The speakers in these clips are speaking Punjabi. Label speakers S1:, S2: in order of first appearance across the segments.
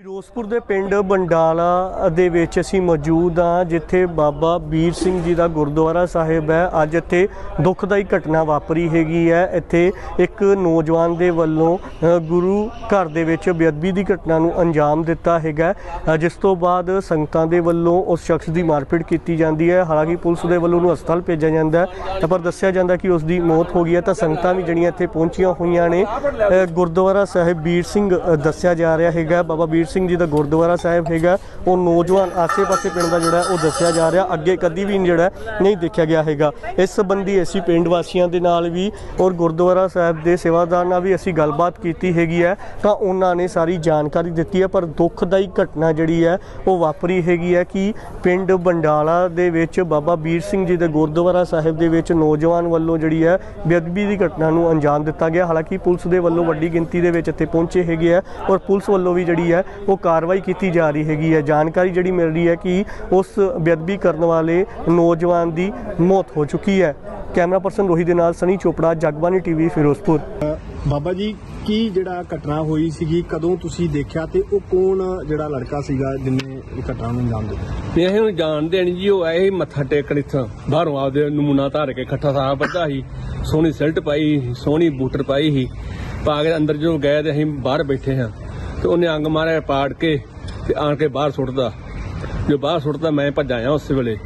S1: ਫਿਰੋਜ਼ਪੁਰ ਦੇ ਪਿੰਡ ਬੰਡਾਲਾ ਦੇ ਵਿੱਚ ਅਸੀਂ ਮੌਜੂਦ ਹਾਂ, ਜਿੱਥੇ ਬਾਬਾ ਵੀਰ ਸਿੰਘ ਜੀ ਦਾ ਗੁਰਦੁਆਰਾ ਸਾਹਿਬ ਹੈ। ਅੱਜ ਇੱਥੇ ਦੁਖਦਾਈ ਘਟਨਾ ਵਾਪਰੀ ਹੈਗੀ ਹੈ। ਇੱਥੇ ਇੱਕ ਨੌਜਵਾਨ ਦੇ ਵੱਲੋਂ ਗੁਰੂ ਘਰ ਦੇ ਵਿੱਚ ਬੇਅਦਬੀ ਦੀ ਘਟਨਾ ਨੂੰ ਅੰਜਾਮ ਦਿੱਤਾ ਹੈਗਾ, ਜਿਸ ਤੋਂ ਬਾਅਦ ਸੰਗਤਾਂ ਦੇ ਵੱਲੋਂ ਉਸ ਸ਼ਖਸ ਦੀ ਮਾਰਪੀਟ ਕੀਤੀ ਜਾਂਦੀ ਹੈ। ਹਾਲਾਂਕਿ ਪੁਲਿਸ ਦੇ ਵੱਲੋਂ ਉਹਨੂੰ ਹਸਪਤਾਲ ਭੇਜਿਆ ਜਾਂਦਾ ਹੈ, ਪਰ ਦੱਸਿਆ ਜਾਂਦਾ ਕਿ ਉਸ ਦੀ ਮੌਤ ਹੋ ਗਈ ਹੈ। ਤਾਂ ਸੰਗਤਾਂ ਵੀ ਜਿਹੜੀਆਂ ਇੱਥੇ ਪਹੁੰਚੀਆਂ ਹੋਈਆਂ ਨੇ। ਗੁਰਦੁਆਰਾ ਸਾਹਿਬ ਵੀਰ ਸਿੰਘ ਦੱਸਿਆ ਜਾ ਰਿਹਾ ਹੈਗਾ, ਬਾਬਾ ਵੀਰ ਸਿੰਘ ਜੀ ਦਾ ਗੁਰਦੁਆਰਾ ਸਾਹਿਬ ਹੈਗਾ। ਉਹ ਨੌਜਵਾਨ ਆਸੇ-ਪਾਸੇ ਪਿੰਡ ਦਾ ਜਿਹੜਾ ਉਹ ਦੱਸਿਆ ਜਾ ਰਿਹਾ, ਅੱਗੇ ਕਦੀ ਵੀ ਜਿਹੜਾ ਨਹੀਂ ਦੇਖਿਆ ਗਿਆ ਹੈਗਾ। ਇਸ ਸੰਬੰਧੀ ਅਸੀਂ ਪਿੰਡ ਵਾਸੀਆਂ ਦੇ ਨਾਲ ਵੀ ਔਰ ਗੁਰਦੁਆਰਾ ਸਾਹਿਬ ਦੇ ਸੇਵਾਦਾਰ ਨਾਲ ਵੀ ਅਸੀਂ ਗੱਲਬਾਤ ਕੀਤੀ ਹੈਗੀ ਹੈ, ਤਾਂ ਉਹਨਾਂ ਨੇ ਸਾਰੀ ਜਾਣਕਾਰੀ ਦਿੱਤੀ ਹੈ। ਪਰ ਦੁਖਦਾਈ ਘਟਨਾ ਜਿਹੜੀ ਹੈ ਉਹ ਵਾਪਰੀ ਹੈਗੀ ਹੈ ਕਿ ਪਿੰਡ ਬੰਡਾਲਾ ਦੇ ਵਿੱਚ ਬਾਬਾ ਵੀਰ ਸਿੰਘ ਜੀ ਦੇ ਗੁਰਦੁਆਰਾ ਸਾਹਿਬ ਦੇ ਵਿੱਚ ਨੌਜਵਾਨ ਵੱਲੋਂ ਜਿਹੜੀ ਹੈ ਬੇਅਦਬੀ ਦੀ ਘਟਨਾ ਨੂੰ ਅੰਜਾਮ ਦਿੱਤਾ ਗਿਆ। ਹਾਲਾਂਕਿ ਪੁਲਿਸ ਦੇ ਵੱਲੋਂ ਵੱਡੀ ਗਿਣਤੀ ਦੇ ਵਿੱਚ ਇੱਥੇ ਪਹੁੰਚੇ ਹੈਗੇ ਆ ਔਰ ਪੁਲਿਸ ਵੱਲੋਂ ਵੀ ਜਿਹੜੀ ਹੈ ਉਹ ਕਾਰਵਾਈ ਕੀਤੀ ਜਾ ਰਹੀ ਹੈਗੀ ਹੈ। ਜਾਣਕਾਰੀ ਜਿਹੜੀ ਮਿਲ ਰਹੀ ਹੈ ਕਿ ਉਸ ਬੇਅਦਬੀ ਕਰਨ ਵਾਲੇ ਨੌਜਵਾਨ ਦੀ ਮੌਤ ਹੋ ਚੁੱਕੀ ਹੈ। ਕੈਮਰਾ ਪਰਸਨ ਰੋਹਿਤ ਦੇ ਨਾਲ ਸਨੀ ਚੋਪੜਾ, ਜਗਬਾਣੀ ਟੀਵੀ, ਫਿਰੋਜ਼ਪੁਰ।
S2: ਬਾਬਾ ਜੀ, ਕੀ ਜਿਹੜਾ ਘਟਨਾ ਹੋਈ ਸੀਗੀ, ਕਦੋਂ ਤੁਸੀਂ ਦੇਖਿਆ ਤੇ ਉਹ ਕੌਣ ਜਿਹੜਾ ਲੜਕਾ ਸੀਗਾ ਜਿਹਨੇ ਇਹ ਘਟਨਾ ਨੂੰ ਅੰਜਾਮ ਦਿੱਤਾ?
S3: ਇਹ ਹੁਣ ਜਾਣਦੇ ਨਹੀਂ ਜੀ। ਉਹ ਆਏ ਸੀ ਮੱਥਾ ਟੇਕਣ ਇੱਥੋਂ ਬਾਹਰੋਂ, ਆਪਦੇ ਨਮੂਨਾ ਧਾਰ ਕੇ ਖੱਟਾ ਸਾਹ ਬੱਧਾ ਸੀ, ਸੋਹਣੀ ਸਿਲਟ ਪਾਈ, ਸੋਹਣੀ ਬੂਟਰ ਪਾਈ ਸੀ, ਪਾ ਕੇ ਅੰਦਰ ਜਦੋਂ ਗਏ ਤੇ ਅਸੀਂ ਬਾਹਰ ਬੈਠੇ ਹਾਂ ਤੇ ਉਹਨੇ ਅੰਗ ਮਾਰਿਆ ਪਾੜ ਕੇ ਤੇ ਆਣ ਕੇ ਬਾਹਰ ਸੁੱਟਦਾ। ਜੋ ਬਾਹਰ ਸੁੱਟਦਾ ਮੈਂ ਭੱਜਾ ਆ। ਉਸੇ ਵੇਲੇ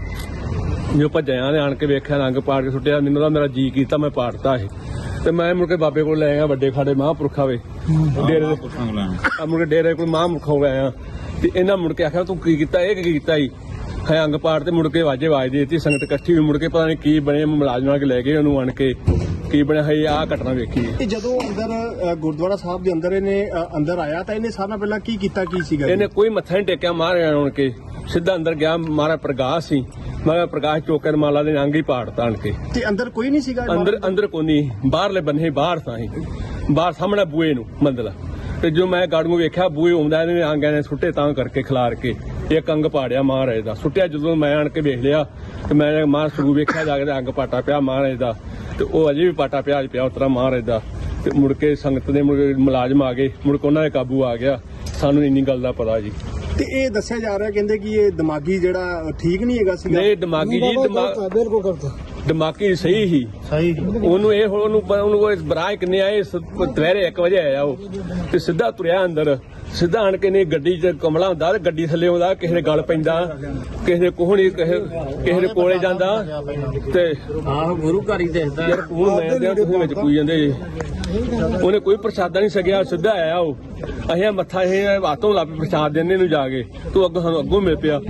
S3: ਜੋ ਭੱਜਿਆ ਨੇ ਆਣ ਕੇ ਵੇਖਿਆ ਅੰਗ ਪਾੜ ਕੇ ਸੁੱਟਿਆ। ਮੈਨੂੰ ਤਾਂ ਮੇਰਾ ਜੀ ਕੀਤਾ, ਮੈਂ ਪਾੜਤਾ ਇਹ ਤੇ ਮੈਂ ਮੁੜ ਕੇ ਬਾਬੇ ਕੋਲ ਲੈ ਗਿਆ, ਵੱਡੇ ਖਾੜੇ ਮਹਾਂਪੁਰਖਾ ਵੇ ਡੇਰੇ ਦੇ। ਮੁੜ ਕੇ ਡੇਰੇ ਕੋਲ ਮਹਾਂਪੁਰਖ ਹੋ ਗਿਆ ਤੇ ਇਹਨਾਂ ਮੁੜ ਕੇ ਆਖਿਆ ਤੂੰ ਕੀ ਕੀਤਾ, ਇਹ ਕੀ ਕੀਤਾ ਜੀ? ਹੈ ਅੰਗ ਪਾੜ ਤੇ ਮੁੜ ਕੇ ਆਵਾਜ਼ ਦੇ ਦਿੱਤੀ। ਸੰਗਤ ਇਕੱਠੀ ਵੀ ਮੁੜ ਕੇ ਪਤਾ ਨਹੀਂ ਕੀ ਬਣੇ, ਮੁਲਾਜ਼ਮਾਂ ਕੇ ਲੈ ਗਏ ਉਹਨੂੰ ਆਣ ਕੇ। ਕੀ ਬਣਿਆ ਹੈ ਆਹ ਘਟਨਾ ਵੇਖੀ।
S2: ਇਹ ਜਦੋਂ ਅੰਦਰ ਗੁਰਦੁਆਰਾ ਸਾਹਿਬ ਦੇ ਅੰਦਰ ਇਹਨੇ ਅੰਦਰ ਆਇਆ ਤਾਂ ਇਹਨੇ ਸਾਰਾ ਪਹਿਲਾਂ ਕੀ ਕੀਤਾ, ਕੀ ਸੀਗਾ?
S3: ਇਹਨੇ ਕੋਈ ਮੱਥਾ ਨਹੀਂ ਟੇਕਿਆ, ਮਾਰਿਆ ਆਣ ਕੇ ਸਿੱਧਾ ਅੰਦਰ ਗਿਆ। ਮਾਰਾ ਪ੍ਰਕਾਸ਼ ਸੀ, ਮੈਂ ਪ੍ਰਕਾਸ਼ ਚੋਕਰ ਮਾਲਾ ਦੇ ਅੰਗ ਹੀ ਪਾੜਤਾ ਆਣ ਕੇ।
S2: ਤੇ ਅੰਦਰ ਕੋਈ ਨਹੀਂ ਸੀਗਾ?
S3: ਅੰਦਰ ਕੋਈ ਨਹੀਂ, ਬਾਹਰਲੇ ਬੰਨੇ ਬਾਹਰ ਤਾਂ ਹੀ ਬਾਹਰ ਸਾਹਮਣੇ ਬੂਏ ਨੂੰ ਮੰਦਲਾ। ਤੇ ਜੋ ਮੈਂ ਗਾੜੂ ਵੇਖਿਆ ਬੂਏ ਆਉਂਦਾ, ਇਹਨੇ ਆਂਗਿਆਂ ਨੇ ਸੁੱਟੇ ਤਾਂ ਕਰਕੇ ਖਿਲਾਰ ਕੇ ਇੱਕ ਅੰਗ ਪਾੜਿਆ ਮਹਾਰਾਜ ਦਾ। ਸੁੱਟਿਆ ਜਦੋਂ ਮੈਂ ਆਣ ਕੇ ਵੇਖ ਲਿਆ ਤੇ ਮੈਂ ਮਾਰ ਸਰੂ ਵੇਖਿਆ ਜਾ ਕੇ, ਅੰਗ ਪਾਟਾ ਪਿਆ ਮਹਾਰਾਜ ਦਾ ਤੇ ਉਹ ਅਜੇ ਵੀ ਪਾਟਾ ਪਿਆ ਉਤਰਾ ਮਹਾਰਾਜ ਦਾ। ਤੇ ਮੁੜ ਕੇ ਸੰਗਤ ਦੇ ਮੁਲਾਜ਼ਮ ਆ ਗਏ, ਮੁੜ ਕੇ ਉਹਨਾਂ ਦੇ ਕਾਬੂ ਆ ਗਿਆ। ਸਾਨੂੰ ਇੰਨੀ ਗੱਲ ਦਾ ਪਤਾ ਜੀ।
S2: ਤੇ ਇਹ ਦੱਸਿਆ ਜਾ ਰਿਹਾ, ਕਹਿੰਦੇ ਕਿ ਇਹ ਦਿਮਾਗੀ ਜਿਹੜਾ ਠੀਕ ਨਹੀਂ ਹੈਗਾ ਸੀਗਾ।
S3: ਨਹੀਂ ਦਿਮਾਗੀ ਜੀ, ਦਿਮਾਗੀ ਸਹੀ ਹੀ ਉਹਨੂੰ ਇਹ ਉਹਨੂੰ ਬਰਾਹ ਕਿੰਨੇ ਆਏ ਦੁਪਹਿਰੇ 1 ਵਜੇ ਆਇਆ ਉਹ ਤੇ ਸਿੱਧਾ ਤੁਰਿਆ ਅੰਦਰ। ਸਿੱਧਾ ਆਣ ਕੇ ਨਹੀਂ ਗੱਡੀ 'ਚ ਕਮਲਾ ਹੁੰਦਾ ਤੇ ਗੱਡੀ ਥੱਲੇ ਆਉਂਦਾ, ਕਿਸੇ ਦੇ ਗਲ ਪੈਂਦਾ, ਕਿਸੇ ਦੇ ਕੋਹਣੀ, ਕਿਸੇ ਦੇ ਕੋਲੇ ਜਾਂਦਾ ਤੇ
S4: ਗੁਰੂ ਘਰ ਹੀ ਦੇਖਦਾ
S3: ਯਾਰ ਕੋਲ ਮੈਂ ਦੇ ਵਿੱਚ ਕੋਈ ਜਾਂਦੇ। ਉਹਨੇ ਕੋਈ ਪ੍ਰਸ਼ਾਦਾ ਨਹੀਂ ਸਕਿਆ, ਸਿੱਧਾ ਆਇਆ ਉਹ। ਅਸੀਂ ਮੱਥਾ ਇਹ ਹੱਥੋਂ ਲਾ ਪ੍ਰਸ਼ਾਦ ਦੇਣੇ ਨੂੰ ਜਾ ਕੇ ਤੂੰ ਅੱਗੋਂ ਸਾਨੂੰ ਅੱਗੋਂ ਮਿਲ ਪਿਆ।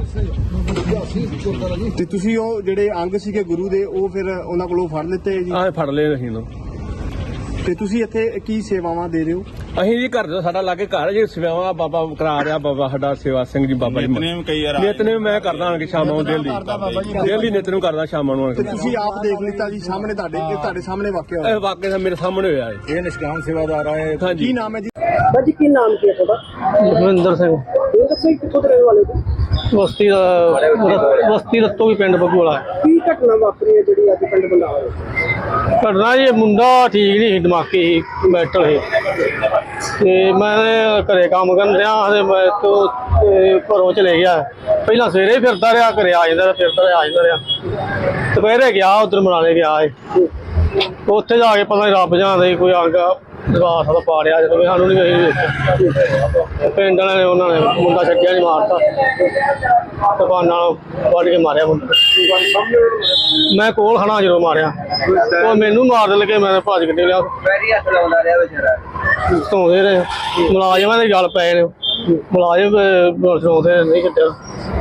S2: ਤੇ ਤੁਸੀਂ ਉਹ ਜਿਹੜੇ ਅੰਗ ਸੀਗੇ ਗੁਰੂ ਦੇ ਉਹ ਫਿਰ ਉਹਨਾਂ ਕੋਲੋਂ ਫੜ ਲਿੱਤੇ ਜੀ?
S3: ਆਹ ਫੜ ਲਏ ਅਸੀਂ ਨੂੰ।
S2: ਤੇ ਤੁਸੀਂ ਇੱਥੇ ਕੀ ਸੇਵਾਵਾਂ ਦੇ ਰਹੇ ਹੋ?
S3: ਅਸੀਂ ਜੀ ਘਰ ਦਾ ਸਾਡਾ ਲਾਗੇ ਘਰ ਜੇ ਸੇਵਾਵਾਂ ਬਾਬਾ ਕਰਾ ਰਿਹਾ, ਬਾਬਾ ਸਾਡਾ ਸੇਵਾ ਸਿੰਘ ਜੀ ਬਾਬਾ ਜੀ ਨਿਤਨੇਮ ਮੈਂ ਕਰਦਾ ਆਣ ਕੇ ਸ਼ਾਮਾਂ ਨੂੰ ਡੇਲੀ ਨਿਤਨੇਮ ਕਰਦਾ ਸ਼ਾਮਾਂ ਨੂੰ।
S2: ਤੇ ਤੁਸੀਂ ਆਪ ਦੇਖ ਲਿੱਤਾ ਜੀ ਸਾਹਮਣੇ ਤੁਹਾਡੇ ਸਾਹਮਣੇ ਵਾਕਿਆ ਹੋਇਆ?
S3: ਇਹ ਵਾਕਿਆ ਮੇਰੇ ਸਾਹਮਣੇ ਹੋਇਆ ਹੈ।
S4: ਇਹ ਨਿਸ਼ਕਾਮ ਸੇਵਾਦਾਰ ਆਏ।
S3: ਹਾਂਜੀ।
S2: ਕੀ ਨਾਮ ਹੈ ਜੀ? ਬਾਜੀ ਕੀ ਨਾਮ ਕੀ ਹੈ ਤੁਹਾਡਾ?
S5: ਲਖਵਿੰਦਰ ਸਿੰਘ।
S2: ਕਿੱਥੋਂ ਦੇ ਰਹਿਣ ਵਾਲੇ ਹੋ?
S5: ਬਸਤੀ ਰਤੋ ਵੀ ਪਿੰਡ ਬਗੋਲਾ।
S2: ਕੀ ਘਟਨਾ ਵਾਪਰੀ ਹੈ ਜਿਹੜੀ ਅੱਜ ਪਿੰਡ ਬੰਡਾਲਾ ਵਿੱਚ?
S5: ਘਟਨਾ ਜੀ, ਮੁੰਡਾ ਠੀਕ ਨਹੀਂ ਸੀ, ਦਿਮਾਗੀ ਮੈਂਟਲ ਸੀ ਤੇ ਮੈਂ ਘਰੇ ਕੰਮ ਕਰਨ ਰਿਹਾ ਤੇ ਮੈਂ ਤੋਂ ਘਰੋਂ ਚਲੇ ਗਿਆ। ਪਹਿਲਾਂ ਸਵੇਰੇ ਫਿਰਦਾ ਰਿਹਾ, ਘਰੇ ਆ ਜਾਂਦਾ ਰਿਹਾ। ਦੁਪਹਿਰੇ ਗਿਆ ਉਧਰ ਮਨਾਲੇ ਗਿਆ। ਉੱਥੇ ਜਾ ਕੇ ਪਤਾ ਨਹੀਂ ਰੱਬ ਜਾਣਦਾ ਕੋਈ ਅੰਗ ਦਰਵਾਸ ਦਾ ਪਾੜਿਆ, ਜਦੋਂ ਸਾਨੂੰ ਨਹੀਂ ਵੇਖਿਆ। ਪਿੰਡ ਵਾਲਿਆਂ ਨੇ ਉਹਨਾਂ ਨੇ ਮੁੰਡਾ ਛੱਡਿਆ ਨਹੀਂ, ਮਾਰਤਾ ਦੁਕਾਨ ਨਾਲ ਵੱਢ ਕੇ ਮਾਰਿਆ ਮੁੰਡਾ। ਮੈਂ ਕੋਲ ਖੜਾ ਜਦੋਂ ਮਾਰਿਆ, ਉਹ ਮੈਨੂੰ ਮਾਰ ਲੱਗੇ, ਮੈਂ ਭੱਜ ਕੇ ਲਿਆ। ਧੋਂਦੇ ਰਹੇ ਮੁਲਾਜ਼ਮਾਂ ਦੇ ਗੱਲ ਪਏ ਨੇ, ਮੁਲਾਜ਼ਮ ਧੋਂਦੇ ਨਹੀਂ ਕੱਟਿਆ।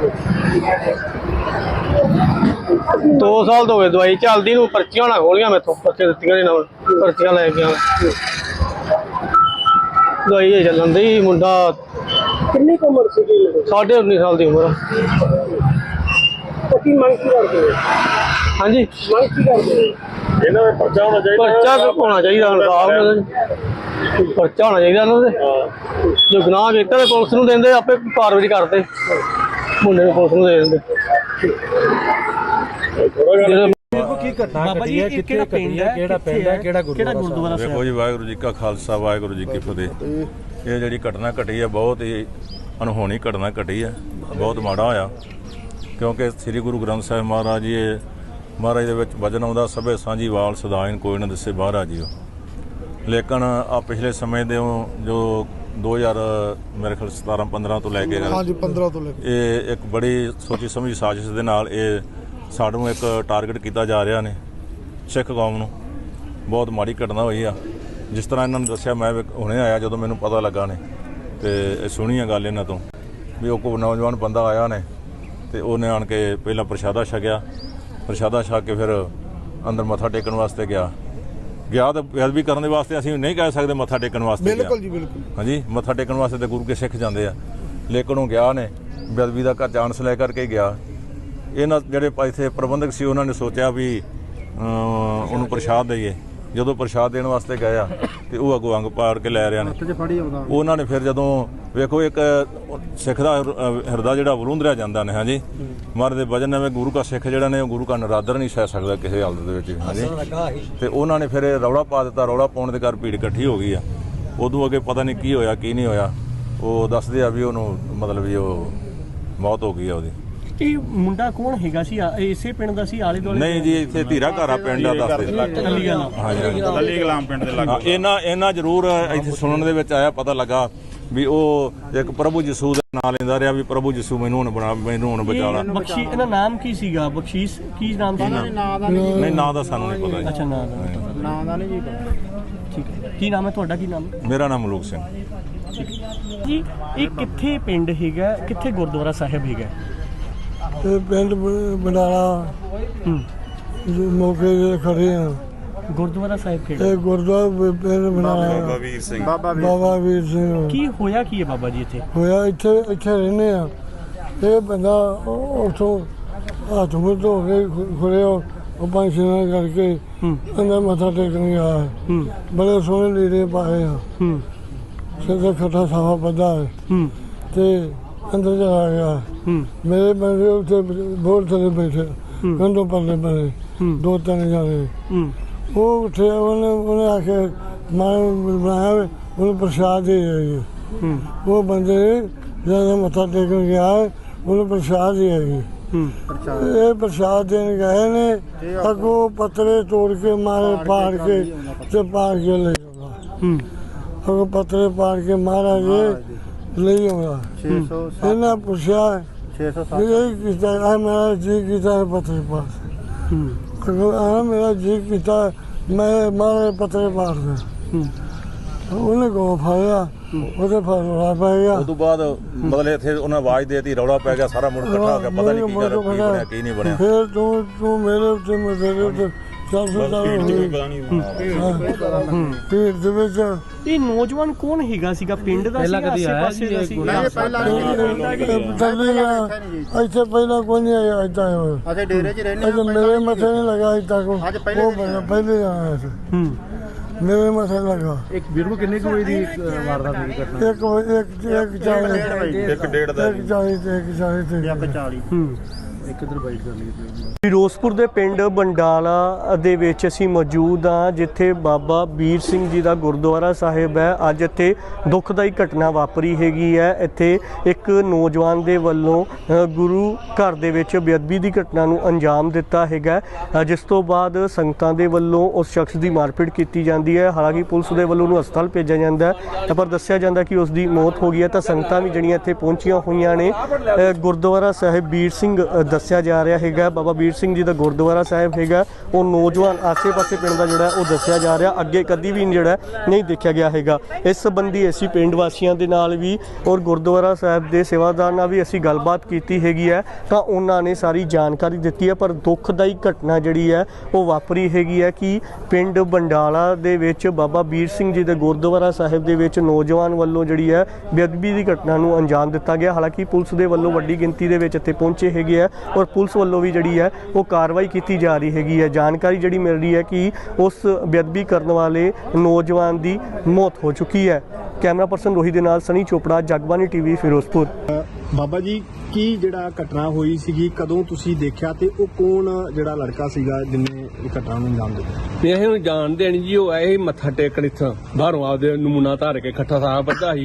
S5: 2 ਸਾਲ ਤੋਂ ਹੋ ਗਏ ਦਵਾਈ ਚੱਲਦੀ ਨੂੰ। ਪਰਚੀਆਂ ਨਾ ਖੋਲੀਆਂ ਮੈਥੋਂ, ਪਰਚੀਆਂ ਦਿੱਤੀਆਂ ਨਹੀਂ ਨਾਲ, ਪਰਚੀਆਂ ਲੈ ਕੇ ਦਵਾਈ ਇਹ ਚੱਲਣ ਦੀ। ਮੁੰਡਾ
S2: ਕਿੰਨੀ ਕੁ ਉਮਰ ਸੀ?
S5: 19.5 ਸਾਲ ਦੀ ਉਮਰ।
S2: ਕੀ ਮੰਗ ਕੀ ਕਰਦੇ?
S5: ਹਾਂਜੀ,
S2: ਮੰਗ ਕੀ ਕਰਦੇ?
S4: ਇਹਨਾਂ ਦਾ ਪਰਚਾ ਹੋਣਾ ਚਾਹੀਦਾ।
S5: ਪਰਚਾ ਹੋਣਾ ਚਾਹੀਦਾ, ਪਰਚਾ ਹੋਣਾ ਚਾਹੀਦਾ ਇਹਨਾਂ ਦੇ। ਜੋ ਗੁਨਾਹ ਕੀਤਾ ਤੇ ਪੁਲਿਸ ਨੂੰ ਦਿੰਦੇ, ਆਪੇ ਕਾਰਵਾਈ ਕਰਦੇ, ਮੁੰਡੇ ਨੂੰ ਪੁਲਿਸ ਨੂੰ ਦੇ ਦਿੰਦੇ।
S2: ਕੀ ਘਟਨਾ ਘਟੀ ਹੈ, ਕਿੱਥੇ ਘਟੀ ਹੈ, ਕਿਹੜਾ ਪਿੰਡ ਹੈ, ਕਿਹੜਾ ਗੁਰਦੁਆਰਾ ਸਾਹਿਬ?
S6: ਦੇਖੋ ਜੀ, ਵਾਹਿਗੁਰੂ ਜੀ ਕਾ ਖਾਲਸਾ, ਵਾਹਿਗੁਰੂ ਜੀ ਕੀ ਫਤਿਹ। ਇਹ ਜਿਹੜੀ ਘਟਨਾ ਘਟੀ ਹੈ ਬਹੁਤ ਹੀ ਅਨਹੋਣੀ ਘਟਨਾ ਘਟੀ ਹੈ, ਬਹੁਤ ਮਾੜਾ ਹੋਇਆ ਕਿਉਂਕਿ ਸ੍ਰੀ ਗੁਰੂ ਗ੍ਰੰਥ ਸਾਹਿਬ ਮਹਾਰਾਜ ਜੀ ਮਹਾਰਾਜ ਦੇ ਵਿੱਚ ਵਚਨ ਆਉਂਦਾ ਸਭੇ ਸਾਂਝੀ ਵਾਲ ਸਦਾਇਨ ਕੋਈ ਨਾ ਦਿਸੇ ਬਾਹਰਾ ਜੀਓ। ਲੇਕਿਨ ਆ ਪਿਛਲੇ ਸਮੇਂ ਦੇ ਜੋ 2000 ਮੇਰੇ ਖਿਆਲ 17-15 ਤੋਂ ਲੈ ਕੇ
S7: ਹਾਂਜੀ 15 ਤੋਂ ਲੈ ਕੇ
S6: ਇਹ ਇੱਕ ਬੜੀ ਸੋਚੀ ਸਮਝੀ ਸਾਜ਼ਿਸ਼ ਦੇ ਨਾਲ ਇਹ ਸਾਨੂੰ ਇੱਕ ਟਾਰਗੇਟ ਕੀਤਾ ਜਾ ਰਿਹਾ ਨੇ ਸਿੱਖ ਕੌਮ ਨੂੰ। ਬਹੁਤ ਮਾੜੀ ਘਟਨਾ ਹੋਈ ਆ। ਜਿਸ ਤਰ੍ਹਾਂ ਇਹਨਾਂ ਨੇ ਦੱਸਿਆ, ਮੈਂ ਹੁਣੇ ਆਇਆ ਜਦੋਂ ਮੈਨੂੰ ਪਤਾ ਲੱਗਾ ਨੇ ਤੇ ਸੁਣੀ ਆ ਗੱਲ ਇਹਨਾਂ ਤੋਂ ਵੀ ਉਹ ਕੋਈ ਨੌਜਵਾਨ ਬੰਦਾ ਆਇਆ ਨੇ ਤੇ ਉਹਨੇ ਆਣ ਕੇ ਪਹਿਲਾਂ ਪ੍ਰਸ਼ਾਦਾ ਛਕਿਆ, ਪ੍ਰਸ਼ਾਦਾ ਛਕ ਕੇ ਫਿਰ ਅੰਦਰ ਮੱਥਾ ਟੇਕਣ ਵਾਸਤੇ ਗਿਆ ਤਾਂ ਬੇਅਦਬੀ ਕਰਨ ਦੇ ਵਾਸਤੇ ਅਸੀਂ ਨਹੀਂ ਕਹਿ ਸਕਦੇ ਮੱਥਾ ਟੇਕਣ ਵਾਸਤੇ
S7: ਬਿਲਕੁਲ ਜੀ ਬਿਲਕੁਲ
S6: ਹਾਂਜੀ, ਮੱਥਾ ਟੇਕਣ ਵਾਸਤੇ ਤੇ ਗੁਰੂ ਕੇ ਸਿੱਖ ਜਾਂਦੇ ਆ, ਲੇਕਿਨ ਉਹ ਗਿਆ ਨੇ ਬੇਅਦਬੀ ਦਾ ਚਾਂਸ ਲੈ ਕਰਕੇ ਗਿਆ। ਇਹਨਾਂ ਜਿਹੜੇ ਇੱਥੇ ਪ੍ਰਬੰਧਕ ਸੀ ਉਹਨਾਂ ਨੇ ਸੋਚਿਆ ਵੀ ਉਹਨੂੰ ਪ੍ਰਸ਼ਾਦ ਦਈਏ। ਜਦੋਂ ਪ੍ਰਸ਼ਾਦ ਦੇਣ ਵਾਸਤੇ ਗਏ ਆ ਤੇ ਉਹ ਅੱਗੋਂ ਅੰਗ ਪਾੜ ਕੇ ਲੈ ਰਿਆ ਨੇ। ਉਹਨਾਂ ਨੇ ਫਿਰ ਜਦੋਂ ਵੇਖੋ ਇੱਕ ਸਿੱਖ ਦਾ ਹਿਰਦਾ ਜਿਹੜਾ ਵਲੂੰਦਰਿਆ ਜਾਂਦਾ ਨੇ ਹਾਂਜੀ ਮਹਾਰਾਜ ਦੇ ਵਚਨ ਨਵੇਂ ਗੁਰੂ ਕਾ ਸਿੱਖ ਜਿਹੜਾ ਨੇ ਉਹ ਗੁਰੂ ਕਾ ਨਰਾਦਰ ਨਹੀਂ ਸਹਿ ਸਕਦਾ ਕਿਸੇ ਹਾਲਤ ਦੇ ਵਿੱਚ ਹਾਂਜੀ। ਤੇ ਉਹਨਾਂ ਨੇ ਫਿਰ ਰੌਲਾ ਪਾ ਦਿੱਤਾ। ਰੌਲਾ ਪਾਉਣ ਦੇ ਘਰ ਭੀੜ ਇਕੱਠੀ ਹੋ ਗਈ ਆ। ਉਦੋਂ ਅੱਗੇ ਪਤਾ ਨਹੀਂ ਕੀ ਹੋਇਆ ਕੀ ਨਹੀਂ ਹੋਇਆ। ਉਹ ਦੱਸਦੇ ਆ ਵੀ ਉਹਨੂੰ ਮਤਲਬ ਵੀ ਉਹ ਮੌਤ ਹੋ ਗਈ ਆ ਉਹਦੀ।
S1: ਇਹ ਮੁੰਡਾ ਕੌਣ ਹੈਗਾ ਸੀ? ਇਸੇ ਪਿੰਡ ਦਾ ਸੀ? ਆਲੇ ਦੁਆਲੇ
S6: ਨਹੀਂ ਜੀ, ਇੱਥੇ ਧੀਰਾ ਘਾਰਾ ਪਿੰਡ ਆ ਦੱਸਦੇ
S4: ਲੱਲੀ ਗਲਾਮ ਪਿੰਡ ਦੇ ਲਾਗੇ।
S6: ਇਹਨਾਂ ਜ਼ਰੂਰ ਇੱਥੇ ਸੁਣਨ ਦੇ ਵਿੱਚ ਆਇਆ, ਪਤਾ ਲੱਗਾ ਵੀ ਉਹ ਇੱਕ ਪ੍ਰਭੂ ਯਿਸੂ ਦਾ ਨਾਮ ਲੈਂਦਾ ਰਿਹਾ ਵੀ ਪ੍ਰਭੂ ਯਿਸੂ ਮੈਨੂੰ ਹੁਣ ਬਚਾ ਲਾ।
S1: ਬਖਸ਼ੀ ਇਹਦਾ ਨਾਮ ਕੀ ਸੀਗਾ? ਬਖਸ਼ੀਸ਼ ਕੀ ਨਾਮ ਸੀ?
S6: ਨਹੀਂ ਨਾਂ ਦਾ ਸਾਨੂੰ ਨਹੀਂ ਪਤਾ ਜੀ।
S1: ਅੱਛਾ ਨਾਂ ਦਾ ਨਹੀਂ ਜੀ। ਠੀਕ ਹੈ। ਕੀ ਨਾਮ ਹੈ ਤੁਹਾਡਾ? ਕੀ ਨਾਮ ਹੈ?
S6: ਮੇਰਾ ਨਾਮ ਮਲੂਕ ਸਿੰਘ।
S1: ਜੀ ਇਹ ਕਿੱਥੇ ਪਿੰਡ ਹੈਗਾ? ਕਿੱਥੇ ਗੁਰਦੁਆਰਾ ਸਾਹਿਬ ਹੈਗਾ?
S7: ਇਹ ਪਿੰਡ ਬਨਾਲਾ ਮੌਕੇ ਤੇ ਖੜੇ ਆ।
S1: ਗੁਰਦੁਆਰਾ ਸਾਹਿਬ ਕਿਹੜਾ?
S7: ਇਹ ਗੁਰਦੁਆਰਾ ਪਿੰਡ ਬਨਾਲਾ ਬਾਬਾ ਵੀਰ ਸਿੰਘ।
S1: ਕੀ ਹੋਇਆ ਕੀ ਹੈ ਬਾਬਾ ਜੀ ਇੱਥੇ?
S7: ਹੋਇਆ ਇੱਥੇ ਰਹਿੰਦੇ ਆ। ਇਹ ਬੰਦਾ ਉੱਥੋਂ ਹੱਥ ਮੁੱਹ ਧੋ ਕੇ ਖੁਰੇ ਉਹ ਪੰਜ ਛੇ ਕਰਕੇ ਅੰਦਰ ਮੱਥਾ ਟੇਕਣ ਗਿਆ। ਬੜੇ ਸੋਹਣੇ ਲੀੜੇ ਪਾਏ ਆ, ਸਿਰ ਤੇ ਖੱਟਾ ਸਾਫਾ ਬੱਧਾ ਹੈ ਤੇ ਅੰਦਰ ਚਲਾ ਗਿਆ। ਮੇਰੇ ਬੰਦੇ ਉੱਥੇ ਬੋਰ ਥੱਲੇ ਬੈਠੇ ਕੰਧੋਂ ਪਰਲੇ ਪਰੇ 2-3 ਜਾਣੇ। ਉਹ ਉੱਠਿਆ, ਉਹਨੇ ਆ ਕੇ ਮਾਨ ਬਣਾਇਆ ਉਹਨੂੰ ਪ੍ਰਸ਼ਾਦ ਦੇ ਆਈ। ਉਹ ਬੰਦੇ ਜਦੋਂ ਮੱਥਾ ਟੇਕਣ ਗਿਆ ਉਹਨੂੰ ਪ੍ਰਸ਼ਾਦ ਦੇ ਆਈ। ਇਹ ਪ੍ਰਸ਼ਾਦ ਦੇਣ ਗਏ ਨੇ, ਅੱਗੋਂ ਪੱਤਰੇ ਤੋੜ ਕੇ ਮਾਰੇ ਪਾੜ ਕੇ ਤੇ ਪਾੜ ਕੇ ਲੈ ਆਉਂਦਾ। ਅੱਗੋਂ ਪੱਤਰੇ ਪਾੜ ਕੇ ਮਹਾਰਾਜ ਲਈ ਆਉਂਦਾ। ਇਹਨਾਂ ਪੁੱਛਿਆ ਇਹ ਕੀਤਾ, ਮੇਰਾ ਜੀ ਕੀਤਾ ਪੱਤਰੇ ਪਾੜ। ਮੇਰਾ ਜੀ ਕੀਤਾ ਮੈਂ ਮਾਰੇ ਪੱਤਰੇ ਪਾੜਦਾ। ਉਹਨੇ ਕੋ ਫੜਿਆ, ਉਹਦੇ ਫੜਵਾ ਪੈ ਗਿਆ।
S6: ਉਸ ਤੋਂ ਬਾਅਦ ਮਤਲਬ ਇੱਥੇ ਉਹਨਾਂ ਆਵਾਜ਼ ਦੇਤੀ, ਰੌਲਾ ਪੈ ਗਿਆ, ਸਾਰਾ ਮੁੰਡਾ ਇਕੱਠਾ ਹੋ ਗਿਆ, ਪਤਾ ਨਹੀਂ ਕੀ ਬਣਿਆ ਕੀ ਨਹੀਂ ਬਣਿਆ।
S7: ਫਿਰ ਤੂੰ ਮੇਰੇ ਉੱਤੇ ਮੇਰੇ ਉੱਤੇ ਭੀੜ ਦੇ ਵਿੱਚ
S1: ਇਹ ਨੌਜਵਾਨ ਕੌਣ ਹੈਗਾ ਸੀਗਾ? ਪਿੰਡ ਦਾ ਸੀਗਾ? ਆਸੇ-ਪਾਸੇ ਦਾ ਸੀਗਾ?
S7: ਇੱਥੇ ਪਹਿਲਾਂ ਕੋਈ ਨਹੀਂ ਆਇਆ। ਏਦਾਂ ਹੋਇਆ ਅਸੀਂ ਡੇਰੇ 'ਚ ਰਹਿੰਦੇ, ਮੇਰੇ ਮੱਥੇ ਨਹੀਂ ਲੱਗਾ ਅਜੇ ਤੱਕ। ਉਹ ਬੰਦਾ ਪਹਿਲੇ ਆਇਆ ਸੀ, ਮੇਰੇ ਮੱਥੇ ਲੱਗਾ।
S2: ਇੱਕ ਵੀਰ ਨੂੰ ਕਿੰਨੇ ਕੁ ਵਜੇ ਦੀ ਵਾਰਦਾਤ ਹੋਈ ਘਟਨਾ?
S7: ਇੱਕ 40
S2: ਇੱਕ ਇਧਰ ਬਾਈਟ ਕਰ ਲਈ।
S1: ਫਿਰੋਜ਼ਪੁਰ ਦੇ ਪਿੰਡ ਬੰਡਾਲਾ ਦੇ ਵਿੱਚ ਅਸੀਂ ਮੌਜੂਦ ਹਾਂ, ਜਿੱਥੇ ਬਾਬਾ ਵੀਰ ਸਿੰਘ ਜੀ ਦਾ ਗੁਰਦੁਆਰਾ ਸਾਹਿਬ ਹੈ। ਅੱਜ ਇੱਥੇ ਦੁਖਦਾਈ ਘਟਨਾ ਵਾਪਰੀ ਹੈਗੀ ਹੈ। ਇੱਥੇ ਇੱਕ ਨੌਜਵਾਨ ਦੇ ਵੱਲੋਂ ਗੁਰੂ ਘਰ ਦੇ ਵਿੱਚ ਬੇਅਦਬੀ ਦੀ ਘਟਨਾ ਨੂੰ ਅੰਜਾਮ ਦਿੱਤਾ ਹੈਗਾ, ਜਿਸ ਤੋਂ ਬਾਅਦ ਸੰਗਤਾਂ ਦੇ ਵੱਲੋਂ ਉਸ ਸ਼ਖਸ ਦੀ ਮਾਰਪੀਟ ਕੀਤੀ ਜਾਂਦੀ ਹੈ। ਹਾਲਾਂਕਿ ਪੁਲਿਸ ਦੇ ਵੱਲੋਂ ਉਹਨੂੰ ਹਸਪਤਾਲ ਭੇਜਿਆ ਜਾਂਦਾ ਹੈ, ਪਰ ਦੱਸਿਆ ਜਾਂਦਾ ਕਿ ਉਸ ਦੀ ਮੌਤ ਹੋ ਗਈ ਹੈ। ਤਾਂ ਸੰਗਤਾਂ ਵੀ ਜਿਹੜੀਆਂ ਇੱਥੇ ਪਹੁੰਚੀਆਂ ਹੋਈਆਂ ਨੇ। ਗੁਰਦੁਆਰਾ ਸਾਹਿਬ ਵੀਰ ਸਿੰਘ ਦੱਸਿਆ ਜਾ ਰਿਹਾ ਹੈਗਾ, ਬਾਬਾ ਵੀਰ ਸਿੰਘ ਜੀ ਦਾ ਗੁਰਦੁਆਰਾ ਸਾਹਿਬ ਹੈਗਾ। ਉਹ ਨੌਜਵਾਨ ਆਸੇ-ਪਾਸੇ ਪਿੰਡ ਦਾ ਜਿਹੜਾ ਉਹ ਦੱਸਿਆ ਜਾ ਰਿਹਾ, ਅੱਗੇ ਕਦੀ ਵੀ ਜਿਹੜਾ ਨਹੀਂ ਦੇਖਿਆ ਗਿਆ ਹੈਗਾ। ਇਸ ਸੰਬੰਧੀ ਅਸੀਂ ਪਿੰਡ ਵਾਸੀਆਂ ਦੇ ਨਾਲ ਵੀ ਔਰ ਗੁਰਦੁਆਰਾ ਸਾਹਿਬ ਦੇ ਸੇਵਾਦਾਰ ਨਾਲ ਵੀ ਅਸੀਂ ਗੱਲਬਾਤ ਕੀਤੀ ਹੈਗੀ ਹੈ, ਤਾਂ ਉਹਨਾਂ ਨੇ ਸਾਰੀ ਜਾਣਕਾਰੀ ਦਿੱਤੀ ਹੈ। ਪਰ ਦੁੱਖਦਾਈ ਘਟਨਾ ਜਿਹੜੀ ਹੈ ਉਹ ਵਾਪਰੀ ਹੈਗੀ ਹੈ ਕਿ ਪਿੰਡ ਬੰਡਾਲਾ ਦੇ ਵਿੱਚ ਬਾਬਾ ਵੀਰ ਸਿੰਘ ਜੀ ਦੇ ਗੁਰਦੁਆਰਾ ਸਾਹਿਬ ਦੇ ਵਿੱਚ ਨੌਜਵਾਨ ਵੱਲੋਂ ਜਿਹੜੀ ਹੈ ਬੇਅਦਬੀ ਦੀ ਘਟਨਾ ਨੂੰ ਅੰਜਾਮ ਦਿੱਤਾ ਗਿਆ। ਹਾਲਾਂਕਿ ਪੁਲਿਸ ਦੇ ਵੱਲੋਂ ਵੱਡੀ ਗਿਣਤੀ ਦੇ ਵਿੱਚ ਇੱਥੇ ਪਹੁੰਚੇ ਹੈਗੇ ਹੈ ਔਰ ਪੁਲਿਸ ਵੱਲੋਂ ਵੀ ਜਿਹੜੀ ਹੈ ਉਹ ਕਾਰਵਾਈ ਕੀਤੀ ਜਾ ਰਹੀ ਹੈਗੀ ਹੈ। ਜਾਣਕਾਰੀ ਜਿਹੜੀ ਮਿਲ ਰਹੀ ਹੈ ਕਿ ਉਸ ਬੇਅਦਬੀ ਕਰਨ ਵਾਲੇ ਨੌਜਵਾਨ ਦੀ ਮੌਤ ਹੋ ਚੁੱਕੀ ਹੈ। ਕੈਮਰਾ ਪਰਸਨ ਰੋਹਿਤ ਦੇ ਨਾਲ ਸਨੀ ਚੋਪੜਾ, ਜਗਬਾਨੀ ਟੀਵੀ, ਫਿਰੋਜ਼ਪੁਰ।
S2: ਬਾਬਾ ਜੀ, ਕੀ ਜਿਹੜਾ ਘਟਨਾ ਹੋਈ ਸੀਗੀ, ਕਦੋਂ ਤੁਸੀਂ ਦੇਖਿਆ ਤੇ ਉਹ ਕੌਣ ਜਿਹੜਾ ਲੜਕਾ ਸੀਗਾ ਜਿਹਨੇ ਇਹ ਘਟਨਾ ਨੂੰ ਅੰਜਾਮ ਦਿੱਤਾ?
S3: ਇਹ ਜਾਣਦੇ ਨਹੀਂ ਜੀ, ਉਹ ਆਏ ਮੱਥਾ ਟੇਕਣ ਇੱਥੋਂ ਬਾਹਰੋਂ ਆਪਦੇ ਨਮੂਨਾ ਧਾਰ ਕੇ ਖੱਟਾ ਸਾਹ ਬੱਧਾ ਸੀ,